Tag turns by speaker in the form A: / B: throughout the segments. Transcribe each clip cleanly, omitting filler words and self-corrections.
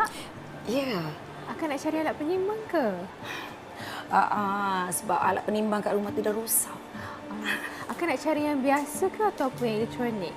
A: Kak?
B: Ya.
A: Akak nak cari alat penyimbang ke?
B: Sebab alat penimbang kat rumah tu dah rosak.
A: Akak nak cari yang biasa ke ataupun yang elektronik?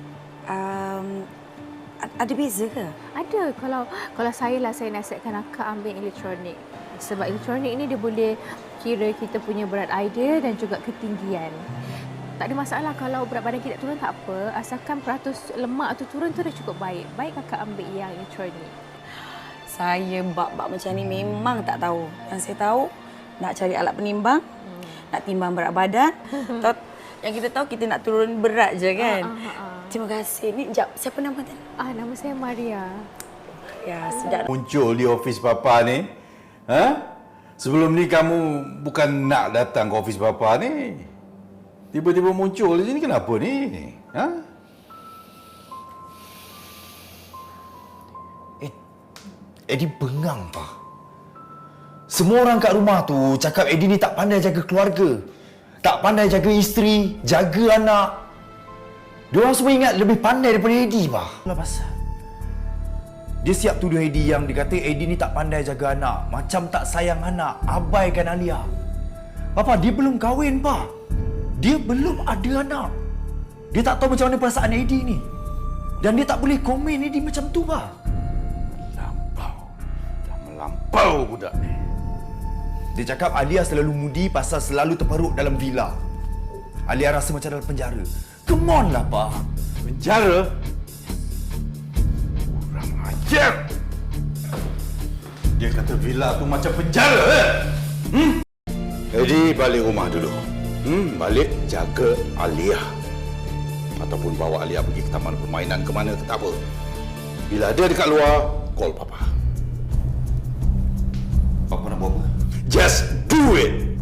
B: Ada beza ke?
A: Ada. Kalau saya nasihatkan akak ambil elektronik. Sebab elektronik ni dia boleh kira kita punya berat idea dan juga ketinggian. Tak ada masalah kalau berat badan kita turun, tak apa. Asalkan peratus lemak tu turun tu dah cukup baik. Baik kakak ambil yang elektronik.
B: Saya bab-bab macam ni memang tak tahu. Yang saya tahu, nak cari alat penimbang, nak timbang berat badan. Yang kita tahu, kita nak turun berat je kan? Terima kasih. Ni, jap, siapa nama tadi?
A: Nama saya Maria.
B: Ya, sudah.
C: Muncul di ofis Papa ni. Ha? Sebelum ni kamu bukan nak datang ke ofis Papa ni. Tiba-tiba muncul di sini, kenapa ni? Ha?
D: Eddie bengang, Pak. Semua orang kat rumah tu cakap Eddie ni tak pandai jaga keluarga. Tak pandai jaga isteri, jaga anak. Diorang semua ingat lebih pandai daripada Eddie, Pak. Lah pasal. Dia siap tuduh Eddie yang dikata Eddie ni tak pandai jaga anak. Macam tak sayang anak, abaikan Alia. Papa, dia belum kahwin, Pak. Dia belum ada anak. Dia tak tahu macam mana perasaan Eddie ni. Dan dia tak boleh komen Eddie macam tu, Pak.
C: Melampau budak ni.
D: Dia cakap Alia selalu mudi pasal selalu terperuk dalam villa. Alia rasa macam dalam penjara. Come on lah, Pak.
C: Penjara? Kurang ajar. Dia kata villa tu macam penjara, Eddie, balik rumah dulu. Balik jaga Alia. Ataupun bawa Alia pergi ke taman permainan ke mana ke tak apa. Bila dia dekat luar, call Papa.
D: Papa nak buat apa?
C: Just do it!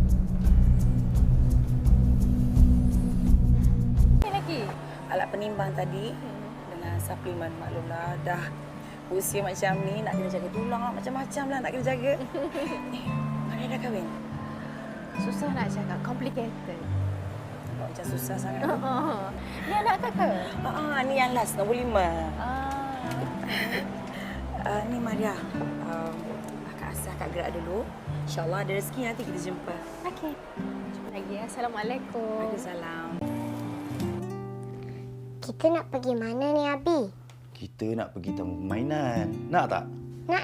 A: Ini lagi.
B: Alat penimbang tadi dengan suplemen, maklumlah dah usia macam ni, nak kena jaga tulang lah, macam-macam lah nak kena jaga. Mana dah kahwin?
A: Susah nak cakap. Complicated.
B: Nampak macam susah sangat.
A: Ni anak kakak?
B: Ni yang last, nombor 5. Ni Maria. Akak rasa akak gerak dulu. InsyaAllah ada rezeki nanti kita jumpa.
A: Okey. Jumpa lagi ya. Assalamualaikum.
B: Waalaikumsalam.
E: Kita nak pergi mana ni, Abi?
D: Kita nak pergi taman permainan. Nak tak?
E: Nak.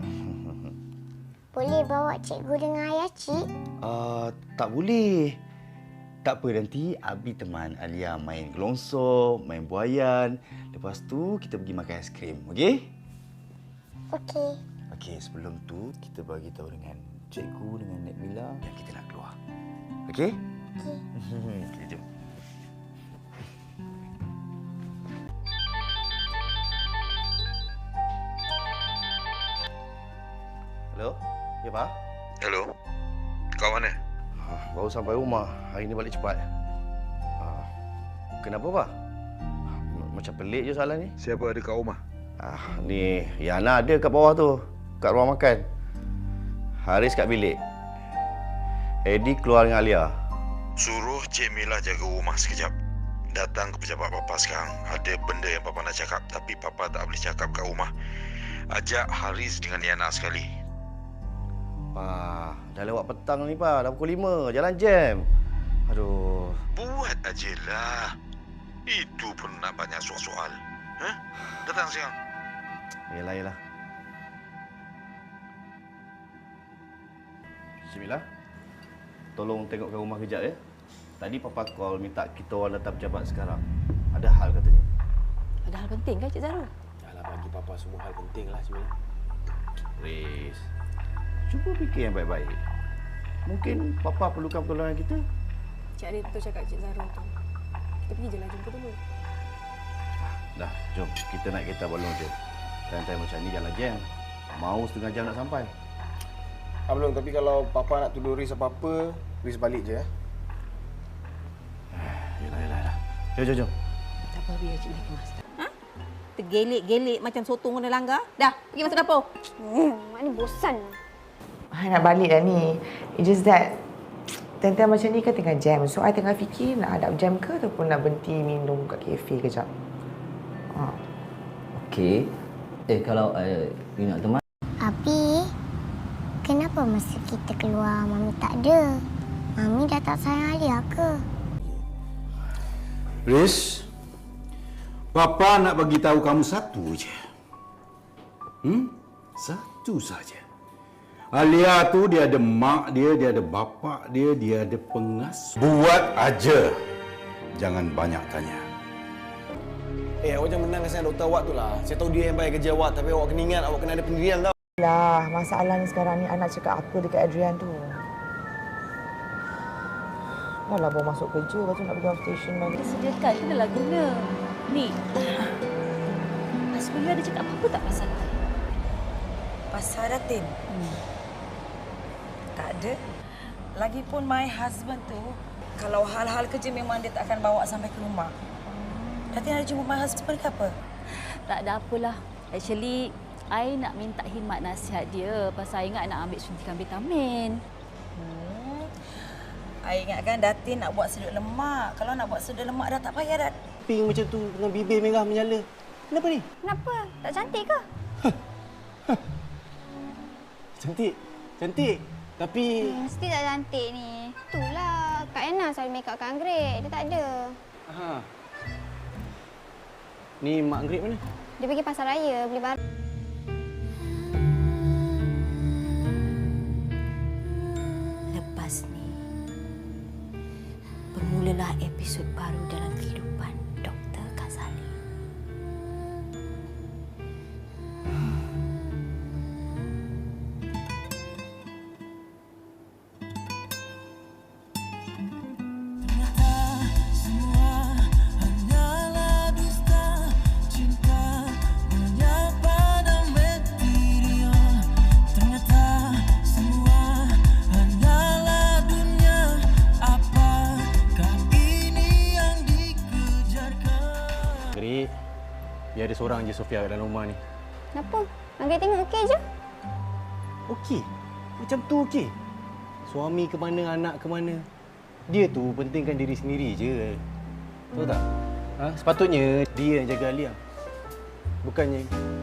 E: Boleh bawa cikgu dengan ayah, Cik?
D: Tak boleh. Tak apa, nanti Abi teman Alia main gelongsor, main buayan. Lepas tu, kita pergi makan aiskrim, okey?
E: Okey.
D: Okey, sebelum tu, kita bagi tahu dengan cikgu, dengan Nek Mila yang kita nak keluar. Okey?
E: Okey.
D: Okey, jom. Hello? Ya, Pak?
C: Hello? Kau mana?
D: Baru sampai rumah. Hari ni balik cepat. Kenapa, Pak? Macam pelik je soalan ni.
C: Siapa ada kat rumah?
D: Ni Yana ada kat bawah tu. Kat ruang makan. Haris kat bilik. Eddie keluar dengan Alia.
C: Suruh Cik Mila jaga rumah sekejap. Datang ke pejabat Papa sekarang. Ada benda yang Papa nak cakap. Tapi Papa tak boleh cakap kat rumah. Ajak Haris dengan Yana sekali.
D: Pak, dah lewat petang ni, Pak. Dah pukul 5. Jalan jam. Aduh.
C: Buat ajalah. Itu pun nak banyak soal-soal. Datang sekarang.
D: Yelah. Cik Mila, tolong tengokkan rumah kejap ya. Tadi Papa call minta kita orang datang pejabat sekarang. Ada hal katanya.
B: Ada hal penting ke Cik Zara?
F: Alah, bagi Papa semua hal penting lah sebenarnya.
D: Riz, cuba fikir yang baik-baik. Mungkin Papa perlukan pertolongan kita.
B: Cik Arif betul cakap Cik Zara tu. Kita pergi je lah, jumpa dulu.
D: Dah, jom. Kita naik kereta balon je. Time-time macam ni jalan jam. Mau setengah jam nak sampai.
F: Belum, tapi kalau Papa nak tuduh Riz apa-apa, Riz balik je.
D: Yelah. Jom.
B: Tak apa, biar Cik Lee kemas. Tergelik-gelik macam sotong kena langgar. Dah, pergi masuk dapur.
E: Mak ni bosan.
G: I nak balik dah ni. It's just that time-time macam ni kan tengah jam. So, I tengah fikir nak hadap jam ke ataupun nak berhenti minum kat kafe kejap.
H: Okey. Kalau you nak teman,
E: Abi, kenapa masa kita keluar Mami tak ada? Mami dah tak sayang Alia ke?
I: Riz, Papa nak bagi tahu kamu satu je. Satu saja. Alia tu dia ada mak dia ada bapak dia ada pengasuh. Buat aja. Jangan banyak tanya.
F: Awak jangan menang dengan doktor awak tu lah. Saya tahu dia yang bayar gaji awak, tapi awak kena ingat awak kena ada pendirian tau.
G: Lah, masalahnya sekarang ni anak cakap apa dekat Adrian tu? Dah lah baru masuk kerja, lepas tu nak pergi outstation balik.
J: Sediakan, kenalah guna. Ni, Asmila ada cakap apa-apa tak pasal I?
B: Pasal Datin? Tak ada. Lagipun my husband tu, kalau hal-hal kerja memang dia tak akan bawa sampai ke rumah. Datin ada jumpa my husband ke apa?
J: Tak ada apalah. Actually, I nak minta khidmat nasihat dia pasal I ingat nak ambil suntikan vitamin.
B: I ingatkan Datin nak buat sedut lemak. Kalau nak buat sedut lemak dah tak payah dah.
F: Pink macam tu dengan bibir merah menyala. Kenapa ni?
E: Kenapa? Tak cantik ke?
F: Cantik. Cantik. Tapi...
E: Mesti tak cantik ni. Itulah. Kak Ena selalu make up Kak Anggrek. Dia tak ada.
F: Ha. Ni Mak Anggrek mana?
E: Dia pergi pasar raya beli barang.
J: Lepas ni, bermulalah episod baru dalam kehidupan Dr. Ghazali.
F: Anggrek, biar ada seorang je Sofia kat dalam rumah ni.
E: Kenapa? Anggrek tengok okey je.
F: Okey. Macam tu okey. Suami ke mana, anak ke mana. Dia tu pentingkan diri sendiri je. Tahu tak? Sepatutnya dia yang jaga Alia. Bukannya